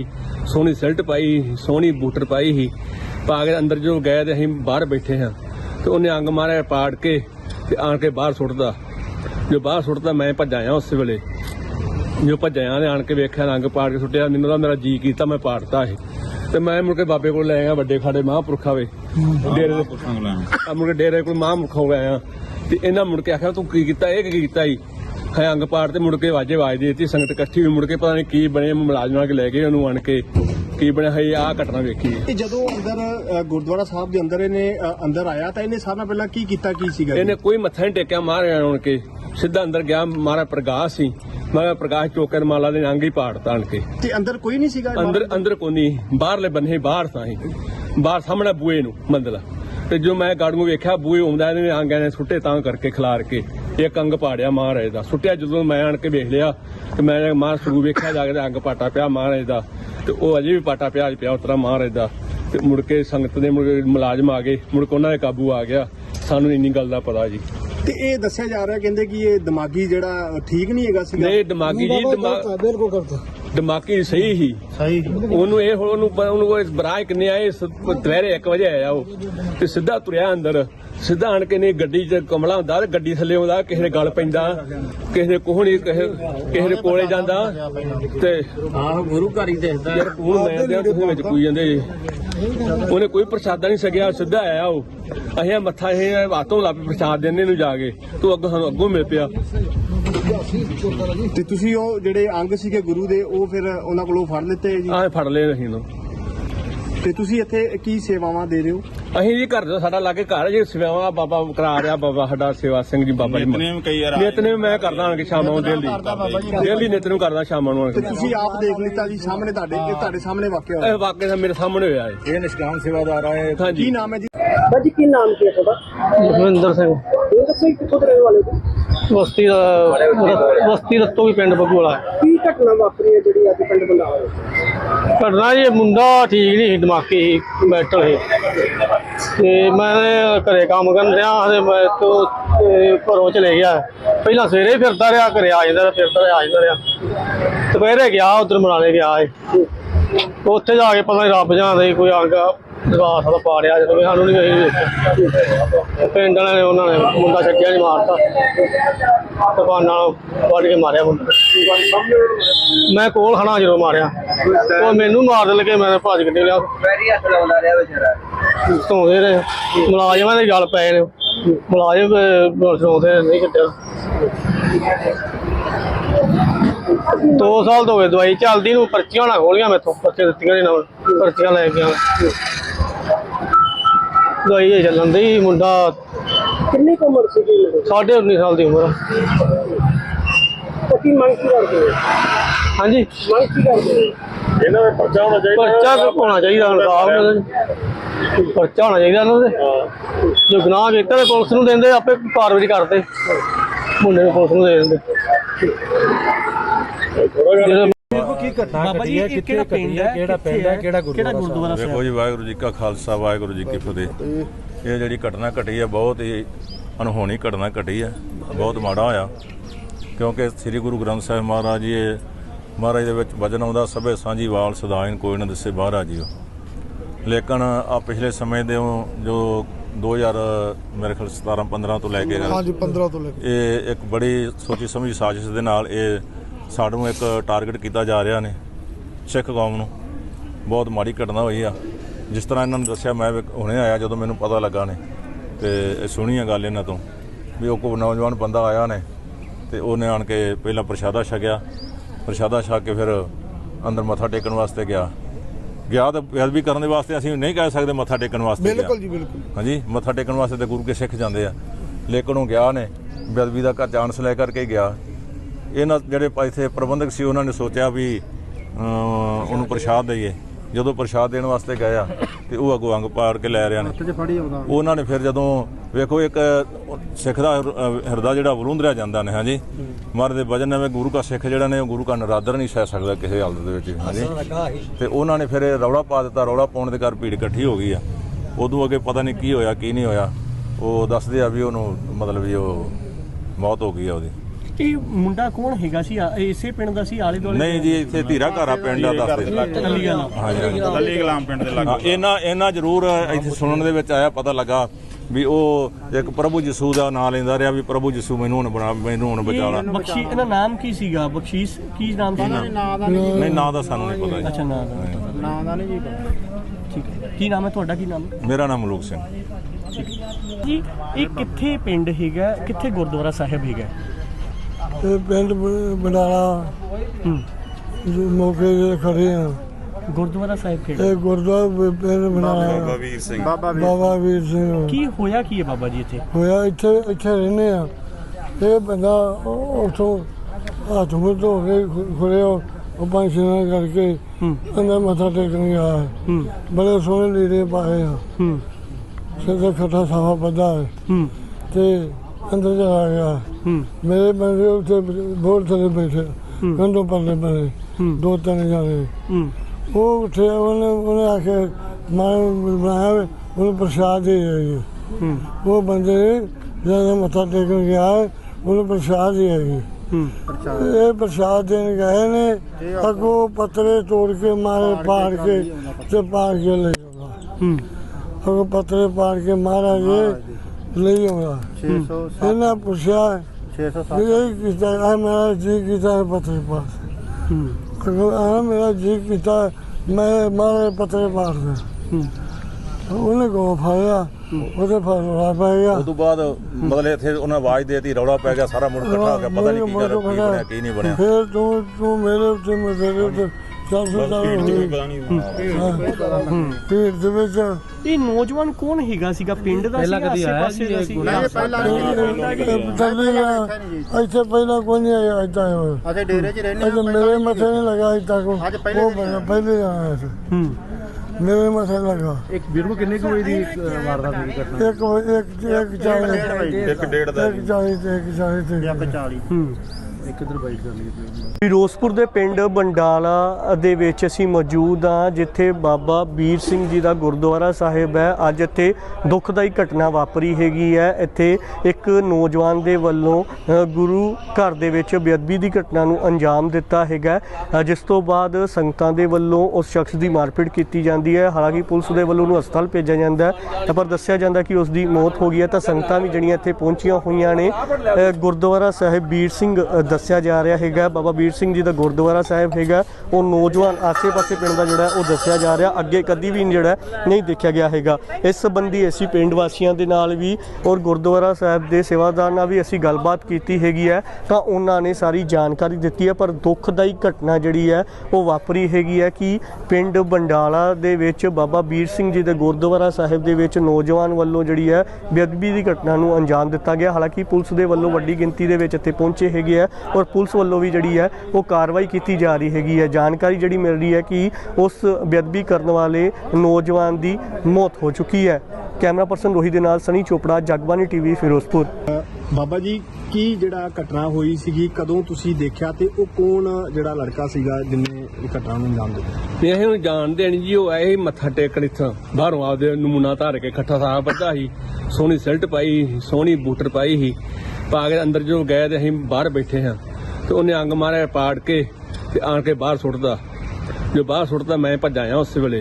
S3: ਸੋਹਣੀ ਸਿਲਟ ਪਾਈ ਸੋਹਣੀ ਬੂਟਰ ਪਾਈ ਸੀ ਪਾ ਕੇ ਅੰਦਰ ਜੋ ਗਏ ਤੇ ਅਸੀਂ ਬਾਹਰ ਬੈਠੇ ਹਾਂ ਤੇ ਉਹਨੇ ਅੰਗ ਮਾਰਿਆ ਪਾੜ ਕੇ ਤੇ ਆਣ ਕੇ ਬਾਹਰ ਸੁੱਟਦਾ ਜੋ ਬਾਹਰ ਸੁੱਟਦਾ ਮੈਂ ਭੱਜ ਆਇਆ ਉਸ ਵੇਲੇ ਜੋ ਭੱਜਿਆ ਨੇ ਆਣ ਕੇ ਵੇਖਿਆ ਅੰਗ ਪਾੜ ਕੇ ਸੁੱਟਿਆ ਮੈਨੂੰ ਤਾਂ ਮੇਰਾ ਜੀ ਕੀਤਾ ਮੈਂ ਪਾੜਤਾ ਇਹ ਤੇ ਮੈਂ ਮੁੜ ਕੇ ਬਾਬੇ ਕੋਲ ਲੈ ਆਇਆ ਵੱਡੇ ਖਾੜੇ ਮਹਾਂਪੁਰਖਾਂ ਵੇ ਡੇਰੇ ਦੇ ਮੁੜ ਕੇ ਡੇਰੇ ਕੋਲ ਮਹਾਂਪੁਰਖਾਂ ਕੋਲ ਆਇਆ ਤੇ ਇਹਨਾਂ ਮੁੜ ਕੇ ਆਖਿਆ ਤੂੰ ਕੀ ਕੀਤਾ ਇਹ ਕੀ ਕੀਤਾ ਜੀ ਹੈ ਅੰਗ ਪਾੜ ਤੇ ਮੁੜ ਕੇ ਆਵਾਜ਼ ਦੇ ਦਿੱਤੀ ਸੰਗਤ ਇਕੱਠੀ ਹੋਈ ਮੁੜ ਕੇ ਪਤਾ ਨਹੀਂ ਕੀ ਬਣੇ ਮੁਲਾਜ਼ਮਾਂ ਕੇ ਲੈ ਗਏ ਉਹਨੂੰ ਆਣ ਕੇ ਕੀ ਬਣਿਆ ਹੈ ਆਹ ਘਟਨਾ ਵੇਖੀ
S2: ਇਹ ਜਦੋਂ ਅੰਦਰ ਗੁਰਦੁਆਰਾ ਸਾਹਿਬ ਦੇ ਅੰਦਰ ਇਹਨੇ ਅੰਦਰ ਆਇਆ ਤਾਂ ਇਹਨੇ ਸਾਰਾ ਪਹਿਲਾਂ ਕੀ ਕੀਤਾ ਕੀ ਸੀਗਾ
S3: ਇਹਨੇ ਕੋਈ ਮੱਥਾ ਨਹੀਂ ਟੇਕਿਆ ਮਾਰਿਆ ਆਣ ਕੇ ਸਿੱਧਾ ਅੰਦਰ ਗਿਆ ਮਾਰਾ ਪ੍ਰਕਾਸ਼ ਸੀ ਮੈਂ ਪ੍ਰਕਾਸ਼ ਚੋਕਰ ਮਾਲਾ ਦੇ ਅੰਗ ਹੀ ਪਾੜਤਾ ਆਣ ਕੇ
S2: ਤੇ ਅੰਦਰ ਕੋਈ ਨਹੀਂ ਸੀਗਾ
S3: ਅੰਦਰ ਕੋਈ ਨਹੀਂ ਬਾਹਰਲੇ ਬੰਨੇ ਬਾਹਰ ਤਾਂ ਹੀ ਬਾਹਰ ਸਾਹਮਣੇ ਬੂਏ ਨੂੰ ਮੰਦਲਾ ਤੇ ਜੋ ਮੈਂ ਗਾਰਡ ਨੂੰ ਵੇਖਿਆ ਬੂਏ ਆਉਂਦਾ ਇਹਨੇ ਆਂਗਿਆਂ ਨੇ ਸੁੱਟੇ ਤਾਂ ਕਰਕੇ ਖਿਲਾਰ ਕੇ ਇੱਕ ਅੰਗ ਪਾੜਿਆ ਮਹਾਰਾਜ ਦਾ ਸੁੱਟਿਆ ਜਦੋਂ ਮੈਂ ਆਣ ਕੇ ਵੇਖ ਲਿਆ ਤੇ ਮੈਂ ਮਾਂ ਸਰੂ ਵੇਖਿਆ ਜਾ ਕੇ ਅੰਗ ਪਾਟਾ ਪਿਆ ਮਹਾਰਾਜ ਦਾ ਤੇ ਉਹ ਅਜੇ ਵੀ ਪਾਟਾ ਪਿਆ ਉਤਰਾ ਮਹਾਰਾਜ ਦਾ ਤੇ ਮੁੜ ਕੇ ਸੰਗਤ ਦੇ ਮੁਲਾਜ਼ਮ ਆ ਗਏ ਮੁੜ ਕੇ ਉਹਨਾਂ ਦੇ ਕਾਬੂ ਆ ਗਿਆ ਸਾਨੂੰ ਇੰਨੀ ਗੱਲ ਦਾ ਪਤਾ ਜੀ
S2: ਤੇ ਇਹ ਦੱਸਿਆ ਜਾ ਰਿਹਾ ਕਹਿੰਦੇ ਕਿ ਇਹ ਦਿਮਾਗੀ ਜਿਹੜਾ ਠੀਕ ਨਹੀਂ ਹੈਗਾ ਸੀਗਾ
S3: ਨਹੀਂ ਦਿਮਾਗੀ ਜੀ ਦਿਮਾਗੀ ਸਹੀ ਹੀ ਉਹਨੂੰ ਬਰਾਹ ਕਿੰਨੇ ਆਏ ਦੁਪਹਿਰੇ 1 ਵਜੇ ਆਇਆ ਉਹ ਤੇ ਸਿੱਧਾ ਤੁਰਿਆ ਅੰਦਰ ਸਿੱਧਾ ਆਣ ਕੇ ਨਹੀਂ ਗੱਡੀ 'ਚ ਕਮਲਾ ਹੁੰਦਾ ਤੇ ਗੱਡੀ ਥੱਲੇ ਆਉਂਦਾ ਕਿਸੇ ਦੇ ਗਲ ਪੈਂਦਾ ਕਿਸੇ ਦੇ ਕੋਹਣੀ ਕਿਸੇ ਦੇ ਕੋਲੇ ਜਾਂਦਾ ਤੇ ਆਹ ਗੁਰੂ ਘਰ ਹੀ ਦੇਖਦਾ ਯਾਰ ਕੋਲ ਮੈਂ ਤੇ ਤੁਸੀਂ ਵਿੱਚ ਕੋਈ ਜਾਂਦੇ ਉਹਨੇ ਕੋਈ ਪ੍ਰਸ਼ਾਦਾ ਨਹੀਂ ਸਕਿਆ ਸਿੱਧਾ ਆਇਆ ਉਹ ਅਸੀਂ ਮੱਥਾ ਇਹ ਹੱਥੋਂ ਲਾ ਪ੍ਰਸ਼ਾਦ ਦੇਣੇ ਨੂੰ ਜਾ ਕੇ ਤੂੰ ਅੱਗੋਂ ਸਾਨੂੰ ਅੱਗੋਂ ਮਿਲ ਪਿਆ
S2: ਤੇ ਤੁਸੀਂ ਉਹ ਜਿਹੜੇ ਅੰਗ ਸੀਗੇ ਗੁਰੂ ਦੇ ਉਹ ਫਿਰ ਉਹਨਾਂ ਕੋਲੋਂ ਫੜ ਲਿੱਤੇ ਜੀ
S3: ਆਹ ਫੜ ਲਏ ਅਸੀਂ ਨੂੰ
S2: ਤੇ ਤੁਸੀਂ ਇੱਥੇ ਕੀ ਸੇਵਾਵਾਂ ਦੇ ਰਹੇ ਹੋ
S3: ਅਸੀਂ ਜੀ ਘਰ ਦਾ ਸਾਡਾ ਲਾਗੇ ਘਰ ਜੀ ਸੇਵਾਵਾਂ ਬਾਬਾ ਕਰਾ ਰਿਹਾ ਬਾਬਾ ਸਾਡਾ ਸੇਵਾ ਸਿੰਘ ਜੀ ਬਾਬਾ ਜੀ ਨਿਤਨੇਮ ਮੈਂ ਕਰਦਾ ਹਾਂ ਕਿ ਸ਼ਾਮਾਂ ਨੂੰ ਡੇਲੀ ਨਿਤਨੇਮ ਕਰਦਾ ਸ਼ਾਮਾਂ ਨੂੰ
S2: ਤੇ ਤੁਸੀਂ ਆਪ ਦੇਖ ਲਿੱਤਾ ਜੀ ਸਾਹਮਣੇ ਤੁਹਾਡੇ ਸਾਹਮਣੇ ਵਾਕਿਆ ਹੋਇਆ
S3: ਇਹ ਵਾਕਿਆ ਤਾਂ ਮੇਰੇ ਸਾਹਮਣੇ ਹੋਇਆ ਹੈ
S6: ਇਹ ਨਿਸ਼ਕਾਮ ਸੇਵਾਦਾਰ ਆਏ
S3: ਹਾਂਜੀ
S2: ਕੀ ਨਾਮ ਹੈ ਜੀ
S8: ਬਾਜੀ ਕੀ ਨਾਮ ਕੀ ਹੈ ਤੁਹਾਡਾ
S5: ਜਸਵਿੰਦਰ ਸਿੰਘ
S8: ਇਹ ਦੱਸੋ ਜੀ ਕਿੱਥੋਂ ਦੇ ਰਹਿਣ ਵਾਲੇ ਹੋ
S5: ਬਸਤੀ ਰੱਤੋ ਵੀ ਪਿੰਡ ਬੱਗੂ ਵਾਲਾ
S8: ਕੀ ਘਟਨਾ ਵਾਪਰੀ ਹੈ ਜਿਹੜੀ ਅੱਜ ਪਿੰਡ ਬੰਦਾਵਾ ਵਿੱਚ
S5: ਘਟਨਾ ਜੀ ਮੁੰਡਾ ਠੀਕ ਨਹੀਂ ਸੀ ਦਿਮਾਗੀ ਸੀ ਮੈਂਟਲ ਸੀ ਤੇ ਮੈਂ ਘਰੇ ਕੰਮ ਕਰਨ ਰਿਹਾ ਤੇ ਮੈਂ ਤੋਂ ਘਰੋਂ ਚਲੇ ਗਿਆ ਪਹਿਲਾਂ ਸਵੇਰੇ ਫਿਰਦਾ ਰਿਹਾ ਘਰੇ ਆ ਜਾਂਦਾ ਰਿਹਾ ਦੁਪਹਿਰੇ ਗਿਆ ਉਧਰ ਮਨਾਲੇ ਗਿਆ ਉੱਥੇ ਜਾ ਕੇ ਪਤਾ ਨਹੀਂ ਰੱਬ ਜਾਣਦਾ ਕੋਈ ਅੰਗ ਦਵਾਸ ਦਾ ਪਾੜਿਆ ਜਦੋਂ ਸਾਨੂੰ ਨਹੀਂ ਵੇਖਿਆ ਪਿੰਡ ਵਾਲਿਆਂ ਨੇ ਉਹਨਾਂ ਨੇ ਮੁੰਡਾ ਛੱਡਿਆ ਨਹੀਂ ਮਾਰਤਾ ਦੁਕਾਨ ਨਾਲ ਵੱਢ ਕੇ ਮਾਰਿਆ ਮੁੰਡਾ ਮੈਂ ਕੋਲ ਖੜਾ ਜਦੋਂ ਮਾਰਿਆ ਉਹ ਮੈਨੂੰ ਮਾਰਨ ਲੱਗੇ ਮੈਂ ਭੱਜ ਕੇ ਲਿਆ ਧੋਂਦੇ ਰਹੇ ਮੁਲਾਜ਼ਮਾਂ ਦੇ ਗੱਲ ਪਏ ਨੇ ਮੁਲਾਜ਼ਮ ਧੋਂਦੇ ਨਹੀਂ ਕੱਢਿਆ 2 ਸਾਲ ਤੋਂ ਹੋ ਗਏ ਦਵਾਈ ਚੱਲਦੀ ਨੂੰ ਪਰਚੀਆਂ ਨਾ ਖੋਲੀਆਂ ਮੈਥੋਂ ਪਰਚੀਆਂ ਦਿੱਤੀਆਂ ਨਹੀਂ ਨਾਲ ਪਰਚੀਆਂ ਲੈ ਕੇ ਦਵਾਈ ਚੱਲਣ ਦੀ ਮੁੰਡਾ
S8: ਕਿੰਨੀ ਕੁ ਉਮਰ ਸੀਗੀ
S5: 19.5 ਸਾਲ ਦੀ ਉਮਰ
S8: ਕੀ ਮੰਗ ਕੀ ਕਰਦੇ ਹੋ
S5: ਹਾਂਜੀ
S8: ਮੰਗ ਕੀ ਕਰਦੇ ਹੋ
S5: ਇਹਨਾਂ ਦਾ ਪਰਚਾ ਹੋਣਾ ਚਾਹੀਦਾ ਪਰਚਾ ਹੋਣਾ ਚਾਹੀਦਾ ਇਹਨਾਂ ਦੇ ਜੋ ਗੁਨਾਹ ਕੀਤਾ ਤੇ ਪੁਲਿਸ ਨੂੰ ਦਿੰਦੇ ਆਪੇ ਕਾਰਵਾਈ ਕਰਦੇ ਮੁੰਡੇ ਨੂੰ ਪੁਲਿਸ ਨੂੰ ਦੇ ਦਿੰਦੇ
S1: ਕੀ ਘਟਨਾ ਘਟੀ ਹੈ ਕਿਹੜਾ ਪਿੰਡ ਹੈ ਕਿਹੜਾ ਗੁਰਦੁਆਰਾ ਸਾਹਿਬ
S6: ਦੇਖੋ ਜੀ ਵਾਹਿਗੁਰੂ ਜੀ ਕਾ ਖਾਲਸਾ ਵਾਹਿਗੁਰੂ ਜੀ ਕੀ ਫਤਿਹ ਇਹ ਜਿਹੜੀ ਘਟਨਾ ਘਟੀ ਹੈ ਬਹੁਤ ਹੀ ਅਨਹੋਣੀ ਘਟਨਾ ਘਟੀ ਹੈ ਬਹੁਤ ਮਾੜਾ ਹੋਇਆ ਕਿਉਂਕਿ ਸ੍ਰੀ ਗੁਰੂ ਗ੍ਰੰਥ ਸਾਹਿਬ ਮਹਾਰਾਜ ਜੀ ਮਹਾਰਾਜ ਦੇ ਵਿੱਚ ਵਜਨ ਆਉਂਦਾ ਸਭੇ ਸਾਂਝੀ ਵਾਲ ਸਦਾਇਨ ਕੋਈ ਨਾ ਦਿਸੇ ਬਾਹਰ ਜੀਓ ਲੇਕਿਨ ਆ ਪਿਛਲੇ ਸਮੇਂ ਦੇ ਜੋ 2000 ਮੇਰੇ ਖਿਆਲ 17-15 ਤੋਂ ਲੈ ਕੇ
S7: ਹਾਂਜੀ 15 ਤੋਂ ਲੈ ਕੇ
S6: ਇਹ ਇੱਕ ਬੜੀ ਸੋਚੀ ਸਮਝੀ ਸਾਜ਼ਿਸ਼ ਦੇ ਨਾਲ ਇਹ ਸਾਨੂੰ ਇੱਕ ਟਾਰਗੇਟ ਕੀਤਾ ਜਾ ਰਿਹਾ ਨੇ ਸਿੱਖ ਕੌਮ ਨੂੰ ਬਹੁਤ ਮਾੜੀ ਘਟਨਾ ਹੋਈ ਆ ਜਿਸ ਤਰ੍ਹਾਂ ਇਹਨਾਂ ਨੂੰ ਦੱਸਿਆ ਮੈਂ ਹੁਣੇ ਆਇਆ ਜਦੋਂ ਮੈਨੂੰ ਪਤਾ ਲੱਗਾ ਨੇ ਤੇ ਸੁਣੀ ਆ ਗੱਲ ਇਹਨਾਂ ਤੋਂ ਵੀ ਉਹ ਕੋਈ ਨੌਜਵਾਨ ਬੰਦਾ ਆਇਆ ਨੇ ਤੇ ਉਹਨੇ ਆਣ ਕੇ ਪਹਿਲਾਂ ਪ੍ਰਸ਼ਾਦਾ ਛਕ ਕੇ ਫਿਰ ਅੰਦਰ ਮੱਥਾ ਟੇਕਣ ਵਾਸਤੇ ਗਿਆ ਤਾਂ ਬੇਅਦਬੀ ਕਰਨ ਦੇ ਵਾਸਤੇ ਅਸੀਂ ਨਹੀਂ ਕਹਿ ਸਕਦੇ ਮੱਥਾ ਟੇਕਣ ਵਾਸਤੇ
S7: ਬਿਲਕੁਲ ਜੀ ਬਿਲਕੁਲ
S6: ਹਾਂਜੀ ਮੱਥਾ ਟੇਕਣ ਵਾਸਤੇ ਤੇ ਗੁਰੂ ਕੇ ਸਿੱਖ ਜਾਂਦੇ ਆ ਲੇਕਿਨ ਉਹ ਗਿਆ ਨੇ ਬੇਅਦਬੀ ਦਾ ਘਰ ਚਾਂਸ ਲੈ ਕਰਕੇ ਗਿਆ ਇਹਨਾਂ ਜਿਹੜੇ ਇੱਥੇ ਪ੍ਰਬੰਧਕ ਸੀ ਉਹਨਾਂ ਨੇ ਸੋਚਿਆ ਵੀ ਉਹਨੂੰ ਪ੍ਰਸ਼ਾਦ ਦਈਏ ਜਦੋਂ ਪ੍ਰਸ਼ਾਦ ਦੇਣ ਵਾਸਤੇ ਗਏ ਆ ਤੇ ਉਹ ਅੱਗੋਂ ਅੰਗ ਪਾੜ ਕੇ ਲੈ ਰਿਆ ਨੇ ਉਹਨਾਂ ਨੇ ਫਿਰ ਜਦੋਂ ਵੇਖੋ ਇੱਕ ਸਿੱਖ ਦਾ ਹਿਰਦਾ ਜਿਹੜਾ ਵਲੂੰਦਰਿਆ ਜਾਂਦਾ ਨੇ ਹਾਂਜੀ ਮਹਾਰਾਜ ਦੇ ਵਜਨ ਐਵੇਂ ਗੁਰੂ ਕਾ ਸਿੱਖ ਜਿਹੜਾ ਨੇ ਉਹ ਗੁਰੂ ਕਾ ਨਰਾਦਰ ਨਹੀਂ ਸਹਿ ਸਕਦਾ ਕਿਸੇ ਹਾਲਤ ਦੇ ਵਿੱਚ ਹਾਂਜੀ ਤੇ ਉਹਨਾਂ ਨੇ ਫਿਰ ਰੌਲਾ ਪਾ ਦਿੱਤਾ ਰੌਲਾ ਪਾਉਣ ਦੇ ਘਰ ਭੀੜ ਇਕੱਠੀ ਹੋ ਗਈ ਆ ਉਦੋਂ ਅੱਗੇ ਪਤਾ ਨਹੀਂ ਕੀ ਹੋਇਆ ਕੀ ਨਹੀਂ ਹੋਇਆ ਉਹ ਦੱਸਦੇ ਆ ਵੀ ਉਹਨੂੰ ਮਤਲਬ ਵੀ ਉਹ ਮੌਤ ਹੋ ਗਈ ਆ ਉਹਦੀ
S1: ਇਹ ਮੁੰਡਾ ਕੌਣ ਹੈਗਾ ਸੀ ਇਸੇ ਪਿੰਡ ਦਾ ਸੀ ਆਲੇ ਦੁਆਲੇ
S6: ਨਹੀਂ ਜੀ ਇੱਥੇ ਧੀਰਾ ਘਾਰਾ ਪਿੰਡ ਆ ਦੱਸਦੇ
S1: ਟੱਲੀ ਵਾਲਾ
S6: ਹਾਂਜੀ
S4: ਲੱਲੀ ਕਲਾਮ ਪਿੰਡ ਦੇ ਲਾਗੇ
S6: ਇਹਨਾਂ ਜ਼ਰੂਰ ਇੱਥੇ ਸੁਣਨ ਦੇ ਵਿੱਚ ਆਇਆ, ਪਤਾ ਲੱਗਾ ਵੀ ਉਹ ਇੱਕ ਪ੍ਰਭੂ ਯਿਸੂ ਦਾ ਨਾਮ ਲੈਂਦਾ ਰਿਹਾ ਵੀ ਪ੍ਰਭੂ ਯਿਸੂ ਮੈਨੂੰ ਹੁਣ ਬਚਾ ਲਾ।
S1: ਬਖਸ਼ੀ ਇਹਦਾ ਨਾਮ ਕੀ ਸੀਗਾ? ਬਖਸ਼ੀਸ਼ ਕੀ ਨਾਮ ਸੀ?
S6: ਨਹੀਂ ਨਾਂ ਦਾ ਸਾਨੂੰ ਨਹੀਂ ਪਤਾ ਜੀ।
S1: ਅੱਛਾ ਨਾਮ ਦਾ ਨਹੀਂ ਜੀ। ਠੀਕ ਹੈ, ਕੀ ਨਾਮ ਹੈ ਤੁਹਾਡਾ? ਕੀ ਨਾਮ ਹੈ?
S6: ਮੇਰਾ ਨਾਮ ਮਲੂਕ ਸਿੰਘ।
S1: ਜੀ ਇਹ ਕਿੱਥੇ ਪਿੰਡ ਹੈਗਾ, ਕਿੱਥੇ ਗੁਰਦੁਆਰਾ ਸਾਹਿਬ ਹੈਗਾ?
S7: ਇਹ ਪਿੰਡ ਬਨਾਲਾ ਮੌਕੇ ਤੇ ਖੜੇ ਆ।
S1: ਗੁਰਦੁਆਰਾ ਸਾਹਿਬ ਕਿਹੜਾ?
S7: ਇਹ ਗੁਰਦੁਆਰਾ ਪਿੰਡ ਬਨਾਲਾ
S4: ਬਾਬਾ ਵੀਰ ਸਿੰਘ
S7: ਬਾਬਾ ਵੀਰ ਸਿੰਘ।
S1: ਕੀ ਹੋਇਆ ਕੀ ਹੈ ਬਾਬਾ ਜੀ ਇੱਥੇ?
S7: ਹੋਇਆ ਇੱਥੇ ਰਹਿੰਦੇ ਆ। ਇਹ ਬੰਦਾ ਉੱਥੋਂ ਹੱਥ ਮੁੱਧ ਧੋ ਕੇ ਖੁੱਲਿਆ ਉਹ ਪੰਛੀਆਂ ਕਰਕੇ ਅੰਦਰ ਮੱਥਾ ਟੇਕਣ ਗਿਆ। ਬੜੇ ਸੋਹਣੇ ਲੀੜੇ ਪਾਏ ਆ, ਸਿਰ ਤੇ ਖੱਟਾ ਸਾਫਾ ਬੱਧਾ ਹੈ ਤੇ ਅੰਦਰ ਚਲਾ ਗਿਆ। ਮੇਰੇ ਬੰਦੇ ਉੱਥੇ ਬੋਰਡ ਥੱਲੇ ਬੈਠੇ ਕੰਧੋਂ ਪਰਲੇ ਬਣੇ 2-3 ਜਾਣੇ। ਉਹ ਉੱਠੇ, ਉਹਨੇ ਆ ਕੇ ਮਾਂ ਬਣਾਇਆ, ਉਹਨੂੰ ਪ੍ਰਸ਼ਾਦ ਦੇ ਆਈ। ਉਹ ਬੰਦੇ ਜਦੋਂ ਮੱਥਾ ਟੇਕਣ ਗਿਆ ਉਹਨੂੰ ਪ੍ਰਸ਼ਾਦ ਦੇ ਆਈ। ਇਹ ਪ੍ਰਸ਼ਾਦ ਦੇਣ ਗਏ ਨੇ, ਅੱਗੋਂ ਪੱਤਰੇ ਤੋੜ ਕੇ ਮਾਰੇ ਪਾੜ ਕੇ ਤੇ ਪਾੜ ਕੇ ਲੈ ਆਉਂਦਾ। ਅੱਗੋਂ ਪੱਤਰੇ ਪਾੜ ਕੇ ਮਹਾਰਾਜ ਲਈ ਆਉਂਦਾ। ਇਹਨਾਂ ਪੁੱਛਿਆ ਇਹ ਕੀਤਾ, ਮੇਰਾ ਜੀ ਕੀਤਾ ਪੱਤਰੇ ਪਾੜ। ਮੇਰਾ ਜੀ ਕੀਤਾ, ਮੈਂ ਮਾਰੇ ਪੱਤਰੇ ਪਾੜਦੇ। ਉਹਨੇ ਗੋ ਫਾਇਆ, ਉਹਦੇ ਫਾਇਆ ਪੈ ਗਿਆ।
S6: ਉਸ ਤੋਂ ਬਾਅਦ ਮਤਲਬ ਇੱਥੇ ਉਹਨਾਂ ਆਵਾਜ਼ ਦੇਤੀ, ਰੌਲਾ ਪੈ ਗਿਆ, ਸਾਰਾ ਮੁੰਡਾ ਇਕੱਠਾ ਹੋ ਗਿਆ, ਪਤਾ ਨਹੀਂ ਕੀ ਬਣਿਆ ਕੀ ਨਹੀਂ ਬਣਿਆ।
S7: ਫਿਰ ਤੂੰ ਮੇਰੇ ਉੱਤੇ ਮੇਰੇ ਉੱਤੇ ਚੱਲ ਹੋਈ ਭੀੜ ਦੇ ਵਿੱਚ।
S1: ਇਹ ਨੌਜਵਾਨ ਕੌਣ ਹੈਗਾ ਸੀਗਾ? ਪਿੰਡ ਦਾ ਸੀ, ਆਸੇ-ਪਾਸੇ ਦਾ ਸੀ?
S7: ਇੱਥੇ ਪਹਿਲਾਂ ਕੋਈ ਨਹੀਂ ਆਇਆ ਏਦਾਂ ਹੋਇਆ।
S8: ਅਸੀਂ ਡੇਰੇ 'ਚ ਰਹਿੰਦੇ
S7: ਮੇਰੇ ਮੱਥੇ ਨਹੀਂ ਲੱਗਾ ਅਜੇ ਤੱਕ। ਉਹ ਬੰਦਾ ਪਹਿਲੇ ਆਇਆ ਸੀ, ਮੇਰੇ ਮੱਥੇ ਲੱਗਾ।
S2: ਇੱਕ ਵੀਰੋ ਕਿੰਨੇ ਕੁ ਵਜੇ ਦੀ ਵਾਰਦਾਤ ਹੋਈ ਘਟਨਾ?
S7: ਇੱਕ 40
S1: ਫਿਰੋਜ਼ਪੁਰ ਦੇ ਪਿੰਡ ਬੰਡਾਲਾ ਦੇ ਵਿੱਚ ਅਸੀਂ ਮੌਜੂਦ ਹਾਂ, ਜਿੱਥੇ ਬਾਬਾ ਵੀਰ ਸਿੰਘ ਜੀ ਦਾ ਗੁਰਦੁਆਰਾ ਸਾਹਿਬ ਹੈ। ਅੱਜ ਇੱਥੇ ਦੁਖਦਾਈ ਘਟਨਾ ਵਾਪਰੀ ਹੈਗੀ ਹੈ। ਇੱਥੇ ਇੱਕ ਨੌਜਵਾਨ ਦੇ ਵੱਲੋਂ ਗੁਰੂ ਘਰ ਦੇ ਵਿੱਚ ਬੇਅਦਬੀ ਦੀ ਘਟਨਾ ਨੂੰ ਅੰਜਾਮ ਦਿੱਤਾ ਹੈਗਾ, ਜਿਸ ਤੋਂ ਬਾਅਦ ਸੰਗਤਾਂ ਦੇ ਵੱਲੋਂ ਉਸ ਸ਼ਖਸ ਦੀ ਮਾਰਪੀਟ ਕੀਤੀ ਜਾਂਦੀ ਹੈ। ਹਾਲਾਂਕਿ ਪੁਲਿਸ ਦੇ ਵੱਲੋਂ ਉਹਨੂੰ ਹਸਪਤਾਲ ਭੇਜਿਆ ਜਾਂਦਾ ਹੈ, ਪਰ ਦੱਸਿਆ ਜਾਂਦਾ ਕਿ ਉਸ ਦੀ ਮੌਤ ਹੋ ਗਈ ਹੈ। ਤਾਂ ਸੰਗਤਾਂ ਵੀ ਜਿਹੜੀਆਂ ਇੱਥੇ ਪਹੁੰਚੀਆਂ ਹੋਈਆਂ ਨੇ। ਗੁਰਦੁਆਰਾ ਸਾਹਿਬ ਵੀਰ ਸਿੰਘ ਦੱਸਿਆ ਜਾ ਰਿਹਾ ਹੈਗਾ, ਬਾਬਾ ਵੀਰ ਸਿੰਘ ਜੀ ਦਾ ਗੁਰਦੁਆਰਾ ਸਾਹਿਬ ਹੈਗਾ। ਉਹ ਨੌਜਵਾਨ ਆਸੇ-ਪਾਸੇ ਪਿੰਡ ਦਾ ਜਿਹੜਾ ਉਹ ਦੱਸਿਆ ਜਾ ਰਿਹਾ, ਅੱਗੇ ਕਦੀ ਵੀ ਜਿਹੜਾ ਨਹੀਂ ਦੇਖਿਆ ਗਿਆ ਹੈਗਾ। ਇਸ ਸੰਬੰਧੀ ਅਸੀਂ ਪਿੰਡ ਵਾਸੀਆਂ ਦੇ ਨਾਲ ਵੀ ਔਰ ਗੁਰਦੁਆਰਾ ਸਾਹਿਬ ਦੇ ਸੇਵਾਦਾਰ ਨਾਲ ਵੀ ਅਸੀਂ ਗੱਲਬਾਤ ਕੀਤੀ ਹੈਗੀ ਹੈ, ਤਾਂ ਉਹਨਾਂ ਨੇ ਸਾਰੀ ਜਾਣਕਾਰੀ ਦਿੱਤੀ ਹੈ। ਪਰ ਦੁਖਦਾਈ ਘਟਨਾ ਜਿਹੜੀ ਹੈ ਉਹ ਵਾਪਰੀ ਹੈਗੀ ਹੈ ਕਿ ਪਿੰਡ ਬੰਡਾਲਾ ਦੇ ਵਿੱਚ ਬਾਬਾ ਵੀਰ ਸਿੰਘ ਜੀ ਦੇ ਗੁਰਦੁਆਰਾ ਸਾਹਿਬ ਦੇ ਵਿੱਚ ਨੌਜਵਾਨ ਵੱਲੋਂ ਜਿਹੜੀ ਹੈ ਬੇਅਦਬੀ ਦੀ ਘਟਨਾ ਨੂੰ ਅੰਜਾਮ ਦਿੱਤਾ ਗਿਆ। ਹਾਲਾਂਕਿ ਪੁਲਿਸ ਦੇ ਵੱਲੋਂ ਵੱਡੀ ਗਿਣਤੀ ਦੇ ਵਿੱਚ ਇੱਥੇ ਪਹੁੰਚੇ ਹੈਗੇ ਆ ਔਰ ਪੁਲਿਸ ਵੱਲੋਂ ਵੀ ਜਿਹੜੀ ਹੈ ਉਹ ਕਾਰਵਾਈ ਕੀਤੀ ਜਾ ਰਹੀ ਹੈਗੀ ਹੈ। ਜਾਣਕਾਰੀ ਜਿਹੜੀ ਮਿਲ ਰਹੀ ਹੈ ਕਿ ਉਸ ਬੇਅਦਬੀ ਕਰਨ ਵਾਲੇ ਨੌਜਵਾਨ ਦੀ ਮੌਤ ਹੋ ਚੁੱਕੀ ਹੈ। ਕੈਮਰਾ ਪਰਸਨ ਰੋਹਿਤ ਦੇ ਨਾਲ ਸਨੀ ਚੋਪੜਾ, ਜਗਬਾਨੀ ਟੀਵੀ, ਫਿਰੋਜ਼ਪੁਰ।
S2: ਬਾਬਾ ਜੀ ਕੀ ਜਿਹੜਾ ਘਟਨਾ ਹੋਈ ਸੀਗੀ, ਕਦੋਂ ਤੁਸੀਂ ਦੇਖਿਆ ਤੇ ਉਹ ਕੌਣ ਜਿਹੜਾ ਲੜਕਾ ਸੀਗਾ ਜਿਹਨੇ ਇਹ ਘਟਨਾ ਨੂੰ ਅੰਜਾਮ ਦਿੱਤਾ?
S3: ਇਹ ਹੁਣ ਜਾਣਦੇ ਨਹੀਂ ਜੀ। ਉਹ ਆਏ ਸੀ ਮੱਥਾ ਟੇਕਣ ਇੱਥੋਂ ਬਾਹਰੋਂ, ਆਪਦੇ ਨਮੂਨਾ ਧਾਰ ਕੇ ਖੱਟਾ ਸਾਹ ਬੱਧਾ ਸੀ, ਸੋਹਣੀ ਸਿਲਟ ਪਾਈ, ਸੋਹਣੀ ਬੂਟਰ ਪਾਈ ਸੀ, ਪਾ ਕੇ ਅੰਦਰ ਜੋ ਗਏ ਤੇ ਅਸੀਂ ਬਾਹਰ ਬੈਠੇ ਹਾਂ ਤੇ ਉਹਨੇ ਅੰਗ ਮਾਰਿਆ ਪਾੜ ਕੇ ਤੇ ਆਣ ਕੇ ਬਾਹਰ ਸੁੱਟਦਾ। ਜੋ ਬਾਹਰ ਸੁੱਟਦਾ ਮੈਂ ਭੱਜਾਇਆ, ਉਸੇ ਵੇਲੇ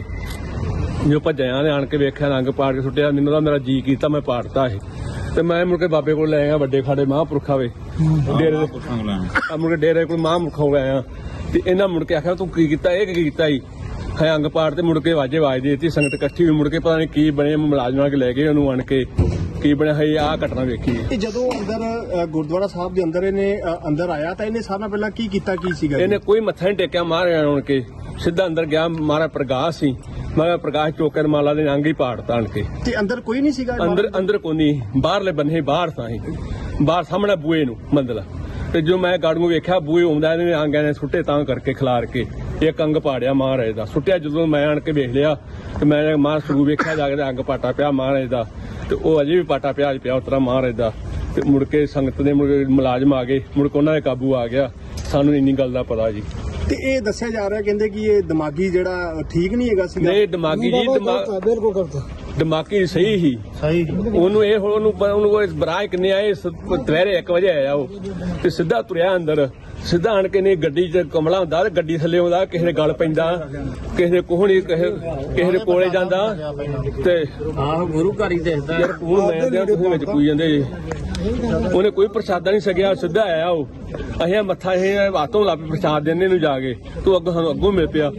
S3: ਜੋ ਭੱਜਾਇਆ ਨੇ ਆਣ ਕੇ ਵੇਖਿਆ ਰੰਗ ਪਾੜ ਕੇ ਸੁੱਟਿਆ। ਮੈਨੂੰ ਤਾਂ ਮੇਰਾ ਜੀ ਕੀਤਾ, ਮੈਂ ਪਾੜਤਾ ਇਹ ਤੇ ਮੈਂ ਮੁੜ ਕੇ ਬਾਬੇ ਕੋਲ ਲੈ ਗਿਆ, ਵੱਡੇ ਖਾੜੇ ਮਹਾਂਪੁਰਖਾਂ ਵੇ ਡੇਰੇ ਮੁੜ ਕੇ ਡੇਰੇ ਕੋਲ ਮਹਾਂਪੁਰਖ ਹੋ ਗਿਆ ਤੇ ਇਹਨਾਂ ਮੁੜ ਕੇ ਆਖਿਆ ਤੂੰ ਕੀ ਕੀਤਾ? ਇਹ ਕੀ ਕੀਤਾ ਜੀ? ਹੈ ਅੰਗ ਪਾੜ ਤੇ ਮੁੜ ਕੇ ਵਾਜੇ ਆਵਾਜ਼ ਦੇਤੀ, ਸੰਗਤ ਇਕੱਠੀ ਹੋਈ। ਮੁੜ ਕੇ ਪਤਾ ਨਹੀਂ ਕੀ ਬਣੇ, ਮੁਲਾਜ਼ਮਾਂ ਕੇ ਲੈ ਗਏ ਉਹਨੂੰ ਆਣ ਕੇ, ਕੀ ਬਣਿਆ ਹੈ ਆਹ ਘਟਨਾ ਵੇਖੀ।
S2: ਤੇ ਜਦੋਂ ਅੰਦਰ ਗੁਰਦੁਆਰਾ ਸਾਹਿਬ ਦੇ ਅੰਦਰ ਇਹਨੇ ਅੰਦਰ ਆਇਆ ਤਾਂ ਇਹਨੇ ਸਾਰਿਆਂ ਨਾਲ ਪਹਿਲਾਂ ਕੀ ਕੀਤਾ, ਕੀ ਸੀਗਾ?
S3: ਇਹਨੇ ਕੋਈ ਮੱਥਾ ਨਹੀਂ ਟੇਕਿਆ, ਮਾਰਿਆ ਆਣ ਕੇ ਸਿੱਧਾ ਅੰਦਰ ਗਿਆ। ਮਾਰਾ ਪ੍ਰਕਾਸ਼ ਸੀ, ਮੈਂ ਪ੍ਰਕਾਸ਼ ਚੋਕਰ ਮਾਲਾ ਦੇ ਅੰਗ ਹੀ ਪਾੜਤਾ ਆਣ ਕੇ।
S2: ਤੇ ਅੰਦਰ ਕੋਈ ਨਹੀਂ ਸੀਗਾ?
S3: ਅੰਦਰ ਕੋਈ ਨਹੀਂ, ਬਾਹਰਲੇ ਬੰਨੇ ਬਾਹਰ ਤਾਂ ਹੀ ਬਾਹਰ ਸਾਹਮਣੇ ਬੂਏ ਨੂੰ ਮੰਦਲਾ। ਤੇ ਜੋ ਮੈਂ ਗਾੜੂ ਵੇਖਿਆ ਬੂਏ ਆਉਂਦਾ, ਇਹਨੇ ਆਂਗਿਆਂ ਨੇ ਸੁੱਟੇ ਤਾਂ ਕਰਕੇ ਖਿਲਾਰ ਕੇ ਇੱਕ ਅੰਗ ਪਾੜਿਆ ਮਹਾਰਾਜ ਦਾ। ਸੁੱਟਿਆ ਜਦੋਂ ਮੈਂ ਆਣ ਕੇ ਵੇਖ ਲਿਆ ਤੇ ਮੈਂ ਮਾਂ ਸਰੂ ਵੇਖਿਆ ਜਾ ਕੇ ਅੰਗ ਪਾਟਾ ਪਿਆ ਮਹਾਰਾਜ ਦਾ, ਤੇ ਉਹ ਅਜੇ ਵੀ ਪਾਟਾ ਪਿਆ ਉਤਰਾ ਮਹਾਰਾਜ ਦਾ। ਤੇ ਮੁੜ ਕੇ ਸੰਗਤ ਦੇ ਮੁਲਾਜ਼ਮ ਆ ਗਏ, ਮੁੜ ਕੇ ਉਹਨਾਂ ਦੇ ਕਾਬੂ ਆ ਗਿਆ। ਸਾਨੂੰ ਇੰਨੀ ਗੱਲ ਦਾ ਪਤਾ ਜੀ।
S2: ਤੇ ਇਹ ਦੱਸਿਆ ਜਾ ਰਿਹਾ ਕਹਿੰਦੇ ਕਿ ਇਹ ਦਿਮਾਗੀ ਜਿਹੜਾ ਠੀਕ ਨਹੀਂ ਹੈਗਾ ਸੀਗਾ।
S3: ਨਹੀਂ ਦਿਮਾਗੀ ਜੀ,
S7: ਬਿਲਕੁਲ ਕਰਤਾ
S3: ਦਿਮਾਗੀ ਸਹੀ ਹੀ ਉਹਨੂੰ ਇਹ ਹੁਣ ਉਹਨੂੰ ਬਰਾਹ ਕਿੰਨੇ ਆਏ ਦੁਪਹਿਰੇ 1 ਵਜੇ ਆਇਆ ਉਹ ਤੇ ਸਿੱਧਾ ਤੁਰਿਆ ਅੰਦਰ ਸਿੱਧਾ ਆਣ ਕੇ ਨੇ ਗੱਡੀ 'ਚ ਕਮਲਾ ਹੁੰਦਾ ਤੇ ਗੱਡੀ ਥੱਲੇ ਆਉਂਦਾ ਕਿਸੇ ਦੇ ਗਲ ਪੈਂਦਾ ਕਿਸੇ ਦੇ ਕੋਹਣੀ ਕਿਸੇ ਦੇ ਕੋਲੇ ਜਾਂਦਾ ਤੇ
S5: ਗੁਰੂ ਘਰ ਹੀ ਦੇਖਦਾ
S3: ਯਾਰ ਕੋਲ ਮੈਂ ਤੁਸੀਂ ਵਿੱਚ ਕੋਈ ਜਾਂਦੇ ਜੀ ਉਹਨੇ ਕੋਈ ਪ੍ਰਸ਼ਾਦਾ ਨਹੀਂ ਸਕਿਆ ਸਿੱਧਾ ਆਇਆ ਉਹ ਅਸੀਂ ਮੱਥਾ ਇਹ ਹੱਥੋਂ ਲਾ ਪ੍ਰਸ਼ਾਦ ਦੇਣੇ ਨੂੰ ਜਾ ਕੇ ਤੂੰ ਅੱਗੋਂ ਸਾਨੂੰ ਅੱਗੋਂ ਮਿਲ ਪਿਆ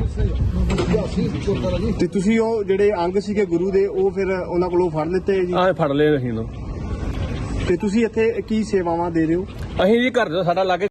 S2: ਤੇ ਤੁਸੀਂ ਉਹ ਜਿਹੜੇ ਅੰਗ ਸੀਗੇ ਗੁਰੂ ਦੇ ਉਹ ਫਿਰ ਉਹਨਾਂ ਕੋਲੋਂ ਫੜ ਲਿੱਤੇ ਜੀ
S3: ਆਹ ਫੜ ਲਏ ਅਸੀਂ ਨੂੰ
S2: ਤੇ ਤੁਸੀਂ ਇੱਥੇ ਕੀ ਸੇਵਾਵਾਂ ਦੇ ਰਹੇ ਹੋ?
S3: ਅਸੀਂ ਜੀ ਘਰ ਦਾ ਸਾਡਾ ਲਾਗੇ